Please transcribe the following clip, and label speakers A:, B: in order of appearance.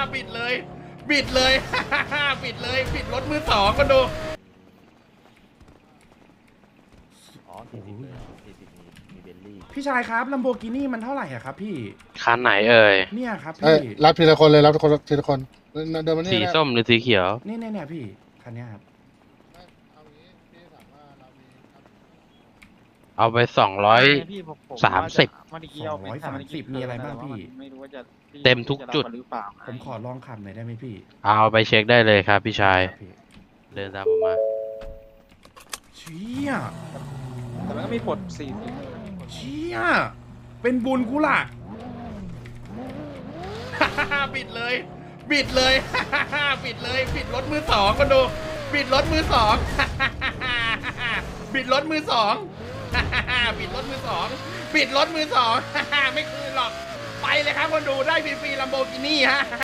A: ปิดเลย ปิดเลย ปิดเลย ปิดรถมือสองก็ดู
B: อ๋อ40เลย40มีเบลลี่
A: พี่ชายครับลัมโบกินี่มันเท่าไหร่อะครับพี่
C: คันไหนเอ่ย
A: เนี่ยครับ
D: เอ้ย
A: พี่
D: รับทีละคนเลยรับทีละคนเดินมานี่
C: สี
D: นะ
C: ส้มหรือสีเขียว
A: เนี่ยพี่คันเนี้ยครับ
D: เอางี้พี่ถามว่าเรามีครับ
C: เอาไป
E: พี่ผม
C: 30
E: เมื่อกี้เอาไปทำเมื่อกี้
A: 230มีอะไรบ้างพี่
E: ไม่รู้ว่าจะ
C: เต็มทุกจุด
E: จะรับหรือเปล่า
A: ผมขอลองขับหน่อยได้ไหมพี่
C: เอาไปเช็คได้เลยครับพี่ชาย
A: ครับพี่
C: เดินตามผมมา
A: เชี่ย
E: แต่มันก็มีปลด40
A: เชี่ยเป็นบุญกูล่ะ ปิดเลย ปิดเลย ปิดเลย ปิดรถมือสองก็ดู ปิดรถมือสอง ปิดรถมือสอง ปิดรถมือสอง ปิดรถมือสอง ไม่คืนหรอก ไปเลยครับคนดูได้ฟรีๆลัมโบกินี่ฮะ